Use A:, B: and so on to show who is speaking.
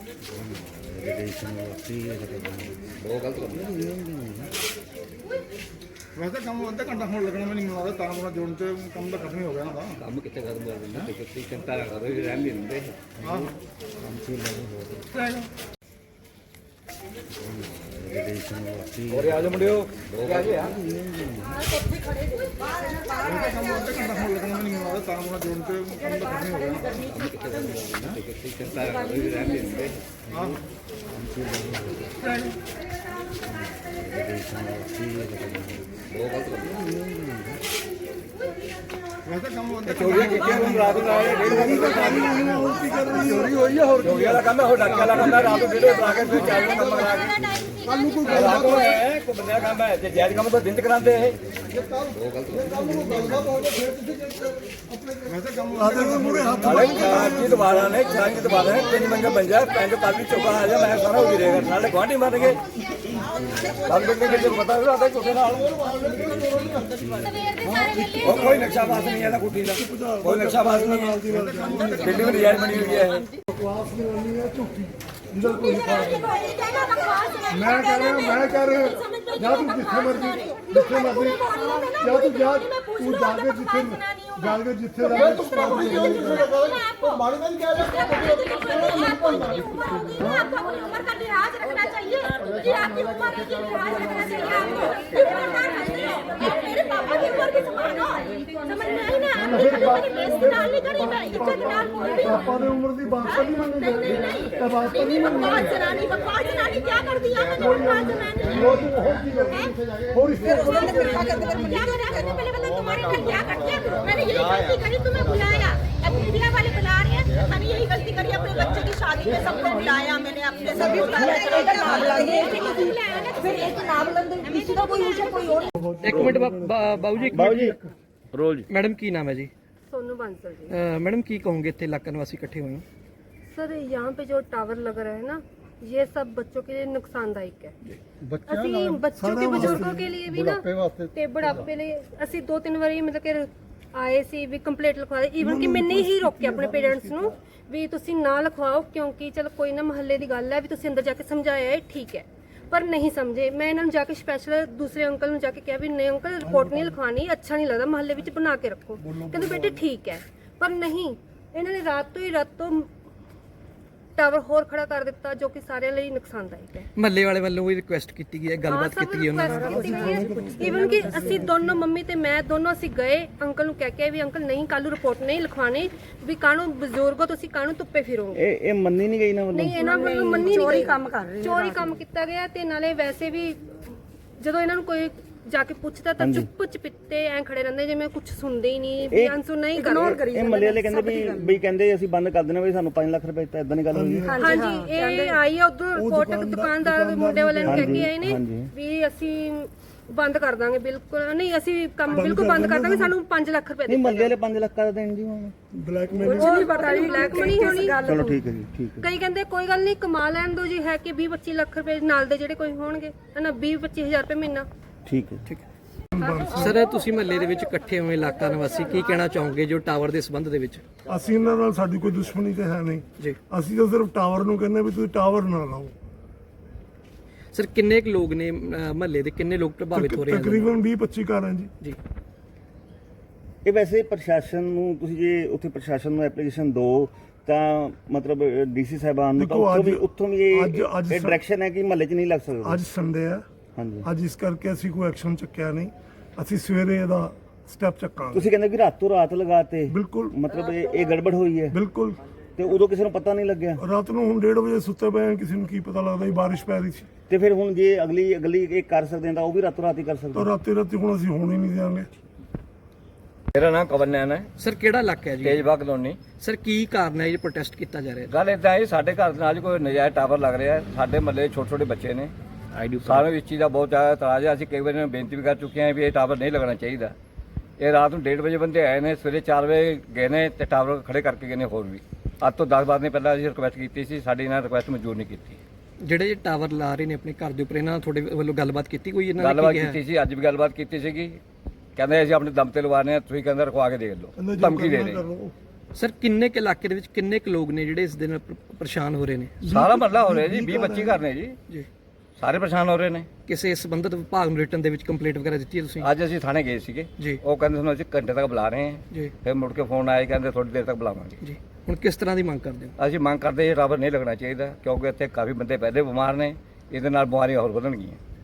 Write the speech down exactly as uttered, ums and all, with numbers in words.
A: वैसे कम अद्धा घंटा होने लगना मैं नहीं मिला तार बना जोड़ने से कम तो खत्म ही हो गया ना
B: ਕੰਮ ਕਿੱਥੇ ਖਤਮ ਹੋ ਜਾਂਦਾ ਤੇ ਕਿਤੇ ਚਿੰਤਾ ਨਾ ਕਰੋ ਇਹ ਰਹਿਣ ਨਹੀਂ ਦਿੰਦੇ
A: हाँ
B: ਕੰਮ ਸੀ ਨਹੀਂ ਹੋ
A: रहेगा
B: ਹੋਰ ਆ ਜਾ ਮੁੰਡਿਓ ਆ ਜਾ
A: वैसे कम अद्धा घंटा होने लगना मैं नहीं मिला तार बना जोड़ने से कम तो खत्म ही हो गया ना
B: ਕੰਮ ਕਿੱਥੇ ਖਤਮ ਹੋ ਜਾਂਦਾ ਤੇ ਕਿਤੇ ਚਿੰਤਾ ਨਾ ਕਰੋ ਇਹ ਰਹਿਣ ਨਹੀਂ ਦਿੰਦੇ
A: हाँ रहेगा वैसे कम अद्धा
B: ਚੋਰੀਆਂ ਕੀਤੀਆਂ ਨੂੰ ਰਾਤ ਨੂੰ ਆਏ ਡੇਢ ਵਜੇ ਤੱਕ ਚੋਰੀ ਹੋਈ ਆ ਹੋਰ ਚੋਰੀਆਂ ਦਾ ਕੰਮ ਹੈ ਹੋਰ ਡਾਕਿਆ ਦਾ ਕੰਮ ਹੈ ਰਾਤ ਨੂੰ ਡੇਢ ਵਜੇ ਆ ਕੇ ਫਿਰ ਚਾਰ ਵਜੇ ਕੰਮ ਕਰਾ ਕੇ ਕੱਲ ਨੂੰ ਕੋਈ ਰਾਤ ਨੂੰ ਹੈ ਕੋਈ ਬੰਦੇ ਦਾ ਕੰਮ ਹੈ ਜੇ ਜਾਇਜ਼ ਕੰਮ ਤਾਂ ਦਿਨ ਚ ਕਰਾਉਂਦੇ ਇਹ
A: वैसे कम
B: ਹਾਲੇ ਕੀ ਦੁਬਾਰਾ ਨੇ ਚਾਰ ਕੀ ਦੁਬਾਰਾ ਨੇ ਤਿੰਨ ਮੰਗਾ ਬਣ ਜਾ ਪੈਂਜ ਪਾਲੀ ਚੋਕਾ ਆ ਜਾ ਮੈਂ ਸਾਰਾ ਹੋ ਰਹੇਗਾ ਨਾਲੇ ਗਵਾਂਢੀ ਮਰ ਗਏ ਕੱਲ ਬੰਦੇ ਕਿਤੇ ਪਤਾ ਵੀ ਆਦਾ ਚੋਕੇ ਨਾਲ ਉਹ ਕੋਈ ਨਕਸ਼ਾ ਬਾਸ ਨਹੀਂ ਹੈ ਨਾ ਕੁੱਟੀ ਦਾ ਕੋਈ ਨਕਸ਼ਾ ਬਾਸ ਨਹੀਂ ਹੈ ਬਿਲਡਿੰਗ ਡਿਜ਼ਾਈਨ ਬਣੀ ਹੋਈ ਹੈ ਇਹ
A: बकवास करनी है झूठी जिधर कोई मैं कह रहा हूं मैं कह रहा हूं या तू जिथे मर्जी जिथे मर्जी या तू जा तू जाके जिथे जाके जिथे
C: मारे नहीं क्या आपको अपनी उम्र का लिहाज रखना चाहिए कि आपकी उम्र का लिहाज रखना चाहिए आपको मेरे पापा की उम्र की समान हो समझ में आई ना मेरी बेइज्जती डाल नहीं करी मैं इज्जत डाल बोल रही हूं
A: पापा ने उम्र की बात पर नहीं मानी तब बात पर नहीं मानी
C: बकवास जनानी बकवास जनानी क्या कर दिया मैंने बकवास जनानी
A: वो तू हो की कर और इसको
C: क्या करते पहले बता तुम्हारे घर क्या करते हैं मैंने यही गलती करी तुम्हें बुलाया अब मीडिया वाले बुला रहे हैं मैंने यही गलती करी अपने बच्चे की शादी में सबको बुलाया मैंने अपने सभी फिर एक नाम लंदे किसी का कोई ऊंचा कोई और
D: एक मिनट बाबू जी
B: ਬਾਬੂ ਜੀ ਰੋਲ ਜੀ
D: मैडम की नाम है जी
E: सोनू बांसल जी।
D: अ, मैडम की कहोगे इतने इलाका निवासी इकट्ठे हुए हैं
E: सर यहाँ पे जो टावर लग रहा है ना ये सब बच्चों के लिए नुकसानदायक है ਅਸੀਂ ਬੱਚੋਂ ਕੇ ਬਜ਼ੁਰਗੋਂ ਕੇ लिए भी ना ਤੇ ਬੁਢਾਪੇ ਲਈ ਅਸੀਂ ਦੋ ਤਿੰਨ ਵਾਰੀ ਮਤਲਬ ਕਿ ਆਏ ਸੀ ਵੀ ਕੰਪਲੀਟ ਲਿਖਵਾ ਦੇ ਈਵਨ ਕਿ ਮੈਨੇ ਹੀ ਰੋਕਿਆ ਆਪਣੇ ਪੇਰੈਂਟਸ ਨੂੰ ਵੀ ਤੁਸੀਂ ਨਾ ਲਿਖਵਾਓ ਕਿਉਂਕਿ ਚਲ ਕੋਈ ਨਾ ਮਹੱਲੇ ਦੀ ਗੱਲ ਹੈ ਵੀ ਤੁਸੀਂ ਅੰਦਰ ਜਾ ਕੇ ਸਮਝਾਇਆ ਹੈ ਠੀਕ ਹੈ ਪਰ नहीं समझे मैं इन्होंने जाके स्पेशल दूसरे अंकल ने जाके कहा भी नहीं अंकल रिपोर्ट नहीं लिखवानी अच्छा नहीं लगता महल्ले में बना के रखो कहते बेटे ठीक है पर नहीं इन्होंने रात तो ही रात तो टावर होर खड़ा कर दिता जो कि सारे लिए नुकसानदायक है
D: ਮਹੱਲੇ ਵਾਲੇ ਵੱਲੋਂ ਵੀ ਰਿਕੁਐਸਟ ਕੀਤੀ ਗਈ ਹੈ ਗੱਲਬਾਤ ਕੀਤੀ ਗਈ ਉਹਨਾਂ ਨਾਲ
E: ਈਵਨ ਕਿ ਅਸੀਂ ਦੋਨੋਂ ਮੰਮੀ ਤੇ ਮੈਂ ਦੋਨੋਂ ਅਸੀਂ ਗਏ ਅੰਕਲ ਨੂੰ ਕਹਿ ਕੇ ਵੀ ਅੰਕਲ ਨਹੀਂ ਕੱਲ ਨੂੰ ਰਿਪੋਰਟ ਨਹੀਂ ਲਿਖਵਾਣੀ ਵੀ ਕਾਹਨੂੰ ਬਜ਼ੁਰਗੋ ਤੁਸੀਂ ਕਾਹਨੂੰ ਧੁੱਪੇ ਫਿਰੋਗੇ
B: ਇਹ ਇਹ ਮੰਨੀ ਨਹੀਂ ਗਈ ਨਾ ਵੱਲੋਂ
E: ਨਹੀਂ ਇਹਨਾਂ ਵੱਲੋਂ ਮੰਨੀ ਨਹੀਂ ਚੋਰੀ ਕੰਮ ਕਰ ਰਹੇ ਚੋਰੀ ਕੰਮ ਕੀਤਾ ਗਿਆ ਤੇ ਨਾਲੇ ਵੈਸੇ ਵੀ ਜਦੋਂ ਇਹਨਾਂ ਨੂੰ ਕੋਈ ਜਾ ਕੇ ਪੁੱਛਦਾ ਤਾਂ ਚੁੱਪ ਚਪਿੱਤੇ ਐ ਖੜੇ ਰਹਿੰਦੇ ਜਿਵੇਂ ਕੁਝ ਸੁਣਦੇ ਹੀ ਨਹੀਂ ਵੀ ਆਨਸਰ ਨਹੀਂ ਕਰਦੇ
B: ਇਹ ਮੱਲੇ ਵਾਲੇ ਕਹਿੰਦੇ ਵੀ ਬਈ ਕਹਿੰਦੇ ਅਸੀਂ ਬੰਦ ਕਰ ਦੇਣਾ ਵੀ ਸਾਨੂੰ ਪੰਜ ਲੱਖ ਰੁਪਏ ਦਿੱਤਾ ਇਦਾਂ ਦੀ ਗੱਲ ਹੋਈ
E: ਹਾਂਜੀ ਇਹ ਆਈ ਆ ਉਧਰ ਰਿਪੋਰਟ ਦੁਕਾਨਦਾਰ ਦੇ ਮੁੰਡੇ ਵਾਲਿਆਂ ਨੂੰ ਕਹਿ ਕੇ ਆਏ ਨੇ ਵੀ ਅਸੀਂ ਬੰਦ ਕਰ ਦਾਂਗੇ ਬਿਲਕੁਲ ਨਹੀਂ ਅਸੀਂ ਕੰਮ ਬਿਲਕੁਲ ਬੰਦ ਕਰ ਦਾਂਗੇ ਸਾਨੂੰ ਪੰਜ ਲੱਖ ਰੁਪਏ
B: ਨਹੀਂ ਮੱਲੇ ਵਾਲੇ ਪੰਜ ਲੱਖ ਦਾ ਦੇਣ ਜੀ ਹੁਣ
A: ब्लैक में
E: ਕੁਝ ਨਹੀਂ ਪਤਾ ਨਹੀਂ ਬਲੈਕ ਮਨੀ ਹੋਣੀ
B: ਚਲੋ ਠੀਕ ਹੈ ਜੀ ਠੀਕ ਹੈ
E: ਕਈ ਕਹਿੰਦੇ ਕੋਈ ਗੱਲ ਨਹੀਂ ਕਮਾ ਲੈਣ ਦੋ ਜੀ ਹੈ ਕਿ ਵੀਹ ਪੱਚੀ ਲੱਖ ਰੁਪਏ ਨਾਲ ਦੇ ਜਿਹੜੇ ਕੋਈ ਹੋਣਗੇ ਹਨਾ ਵੀਹ ਪੱਚੀ ਹਜ਼ਾਰ ਰੁਪਏ ਮਹੀਨਾ
B: ਠੀਕ ਹੈ ਠੀਕ
D: ਸਰ ਤੁਸੀਂ ਮਹੱਲੇ ਦੇ ਵਿੱਚ ਇਕੱਠੇ ਹੋਏ ਇਲਾਕਾ ਨਿਵਾਸੀ ਕੀ ਕਹਿਣਾ ਚਾਹੋਗੇ ਜੋ ਟਾਵਰ ਦੇ ਸੰਬੰਧ ਦੇ ਵਿੱਚ
A: ਅਸੀਂ ਇਹਨਾਂ ਨਾਲ ਸਾਡੀ ਕੋਈ ਦੁਸ਼ਮਣੀ ਤੇ ਹੈ ਨਹੀਂ
D: ਜੀ
A: ਅਸੀਂ ਤਾਂ ਸਿਰਫ ਟਾਵਰ ਨੂੰ ਕਹਿੰਦੇ ਵੀ ਤੁਸੀਂ ਟਾਵਰ ਨਾ ਲਾਓ
D: ਸਰ ਕਿੰਨੇ ਕੁ ਲੋਕ ਨੇ ਮਹੱਲੇ ਦੇ ਕਿੰਨੇ ਲੋਕ ਪ੍ਰਭਾਵਿਤ ਹੋ ਰਹੇ ਹਨ
A: ਤਕਰੀਬਨ ਵੀਹ ਪੱਚੀ ਘਰ ਹੈ ਜੀ
D: ਜੀ
B: ਇਹ ਵੈਸੇ ਪ੍ਰਸ਼ਾਸਨ ਨੂੰ ਤੁਸੀਂ ਜੇ ਉੱਥੇ ਪ੍ਰਸ਼ਾਸਨ ਨੂੰ ਐਪਲੀਕੇਸ਼ਨ ਦਿਓ ਤਾਂ ਮਤਲਬ ਡੀਸੀ ਸਾਹਿਬਾਨ ਨੂੰ ਤਾਂ
A: ਦੇਖੋ,
B: ਉੱਥੋਂ ਵੀ
A: ਅੱਜ-
B: ਉੱਥੋਂ ਵੀ ਇਹ
A: ਅੱਜ- ਅੱਜ
B: ਇਹ ਡਾਇਰੈਕਸ਼ਨ ਹੈ ਕਿ ਮਹੱਲੇ 'ਚ ਨਹੀਂ ਲੱਗ ਸਕਦਾ
A: ਅੱਜ ਸੰਡੇ ਹੈ
B: ਹਾਂਜੀ
A: ਅੱਜ ਇਸ ਕਰਕੇ ਅਸੀਂ ਕੋਈ ਐਕਸ਼ਨ ਚੱਕਿਆ ਨਹੀਂ ਅਸੀਂ ਸਵੇਰੇ ਇਹਦਾ ਸਟੈਪ ਚੱਕਾਂਗੇ
B: ਤੁਸੀਂ ਕਹਿੰਦੇ ਕਿ ਰਾਤੋਂ ਰਾਤ ਲਗਾਤੇ
A: ਬਿਲਕੁਲ
B: ਮਤਲਬ ਇਹ ਇਹ ਗੜਬੜ ਹੋਈ ਹੈ
A: ਬਿਲਕੁਲ
B: ਤੇ ਉਦੋਂ ਕਿਸੇ ਨੂੰ ਪਤਾ ਨਹੀਂ ਲੱਗਿਆ
A: ਰਾਤ ਨੂੰ ਹੁਣ ਡੇਢ ਵਜੇ ਸੁੱਤੇ ਪਏ ਹਾਂ, ਕਿਸੇ ਨੂੰ ਕੀ ਪਤਾ ਲੱਗਦਾ ਸੀ ਬਾਰਿਸ਼ ਪੈ ਰਹੀ ਸੀ
B: ਤੇ ਫਿਰ ਹੁਣ ਜੇ ਅਗਲੀ ਅਗਲੀ ਇਹ ਕਰ ਸਕਦੇ ਤਾਂ ਉਹ ਵੀ ਰਾਤੋਂ ਰਾਤ ਹੀ ਕਰ ਸਕਦੇ
A: ਤਾਂ ਰਾਤੀ ਰਾਤੀ ਹੁਣ ਅਸੀਂ ਹੋਣ ਹੀ ਨਹੀਂ ਦਿਆਂਗੇ
F: ਮੇਰਾ ਨਾਮ ਕਵਨ ਨੈਨ ਹੈ
D: ਸਰ ਕਿਹੜਾ ਇਲਾਕਾ ਹੈ ਜੀ
F: ਤੇਜਬਾਗ ਕਲੋਨੀ।
D: ਸਰ ਕੀ ਕਾਰਨ ਹੈ ਇਹ ਪ੍ਰੋਟੈਸਟ ਕੀਤਾ ਜਾ ਰਿਹਾ ਹੈ
F: ਗੱਲ ਇਦਾਂ ਹੈ ਸਾਡੇ ਘਰ ਦੇ ਨਾਲ ਕੋਈ ਨਜਾਇਜ਼ ਟਾਵਰ ਲੱਗ ਰਿਹਾ ਹੈ। ਸਾਡੇ ਮਹੱਲੇ ਛੋਟੇ ਛੋਟੇ ਬੱਚੇ ਨੇ ਸਾਨੂੰ ਇਸ ਚੀਜ਼ ਦਾ ਬਹੁਤ ਜ਼ਿਆਦਾ ਇਤਰਾਜ਼ ਹੈ। ਅਸੀਂ ਕਈ ਵਾਰ ਬੇਨਤੀ ਵੀ ਕਰ ਚੁੱਕੇ ਹਾਂ ਵੀ ਇਹ ਟਾਵਰ ਨਹੀਂ ਲੱਗਣਾ ਚਾਹੀਦਾ। ਇਹ ਰਾਤ ਨੂੰ ਡੇਢ ਵਜੇ ਬੰਦੇ ਆਏ ਨੇ, ਸਵੇਰੇ ਚਾਰ ਵਜੇ ਗਏ ਨੇ ਤੇ ਟਾਵਰ ਖੜੇ ਕਰਕੇ ਗਏ ਨੇ। ਹੋਰ ਵੀ ਅੱਜ ਤੋਂ ਦਸ ਬਾਰਾਂ ਦਿਨ ਪਹਿਲਾਂ ਅਸੀਂ ਰਿਕੁਐਸਟ ਕੀਤੀ ਸੀ, ਸਾਡੀ ਇਹਨਾਂ ਰਿਕੁਐਸਟ ਮਨਜ਼ੂਰ ਨਹੀਂ ਕੀਤੀ।
D: ਜਿਹੜੇ ਟਾਵਰ ਲਾ ਰਹੇ ਨੇ ਆਪਣੇ ਘਰ ਦੇ ਉੱਪਰ ਇਹਨਾਂ ਨਾਲ ਤੁਹਾਡੇ ਵੱਲੋਂ ਗੱਲਬਾਤ ਕੀਤੀ ਕੋਈ ਇਹਨਾਂ ਨੇ
F: ਗੱਲਬਾਤ
D: ਕੀ ਕਿਹਾ
F: ਕੀਤੀ ਸੀ, ਅੱਜ ਵੀ ਗੱਲਬਾਤ ਕੀਤੀ ਸੀਗੀ। ਕਹਿੰਦੇ ਅਸੀਂ ਆਪਣੇ ਦਮ ਤੇ ਲਵਾਣੇ ਆ, ਤੁਸੀਂ ਕਹਿੰਦੇ ਰਖਵਾ ਕੇ ਦੇਖ ਲਓ, ਧਮਕੀ ਦੇ ਰਹੇ।
D: ਸਰ ਕਿੰਨੇ ਕੁ ਇਲਾਕੇ ਦੇ ਵਿੱਚ ਕਿੰਨੇ ਕੁ ਲੋਕ ਨੇ ਜਿਹੜੇ ਇਸ ਦੇ ਨਾਲ ਪ- ਪਰੇਸ਼ਾਨ ਹੋ ਰਹੇ ਨੇ?
F: ਸਾਰਾ ਮਹੱਲਾ ਹੋ ਰਿਹਾ ਜੀ, ਵੀਹ ਪੱਚੀ ਘਰ ਨੇ ਜੀ,
D: ਜੀ
F: ਸਾਰੇ ਪਰੇਸ਼ਾਨ ਹੋ ਰਹੇ ਨੇ।
D: ਕਿਸੇ ਸੰਬੰਧਿਤ ਵਿਭਾਗ ਨੂੰ ਰਿਟਨ ਦੇ ਵਿੱਚ ਕੰਪਲੇਂਟ ਵਗੈਰਾ ਦਿੱਤੀ ਹੈ ਤੁਸੀਂ?
F: ਅੱਜ ਅਸੀਂ ਥਾਣੇ ਗਏ ਸੀਗੇ,
D: ਜੀ
F: ਉਹ ਕਹਿੰਦੇ ਸਾਨੂੰ ਅਸੀਂ ਘੰਟੇ ਤੱਕ ਬੁਲਾ ਰਹੇ ਹਾਂ।
D: ਜੀ
F: ਫਿਰ ਮੁੜ ਕੇ ਫੋਨ ਆਇਆ, ਕਹਿੰਦੇ ਥੋੜੀ ਦੇਰ ਤੱਕ ਬੁਲਾਵਾਂਗੇ।
D: ਜੀ ਹੁਣ ਕਿਸ ਤਰ੍ਹਾਂ ਦੀ ਮੰਗ ਕਰਦੇ ਹੋ?
F: ਅਸੀਂ ਮੰਗ ਕਰਦੇ ਇਹ ਟਾਵਰ ਨਹੀਂ ਲੱਗਣਾ ਚਾਹੀਦਾ, ਕਿਉਂਕਿ ਇੱਥੇ ਕਾਫੀ ਬੰਦੇ ਪਹਿਲੇ ਬਿਮਾਰ ਨੇ, ਇਹਦੇ ਨਾਲ ਬਿਮਾਰੀਆਂ ਹੋਰ ਵਧਣਗੀਆਂ।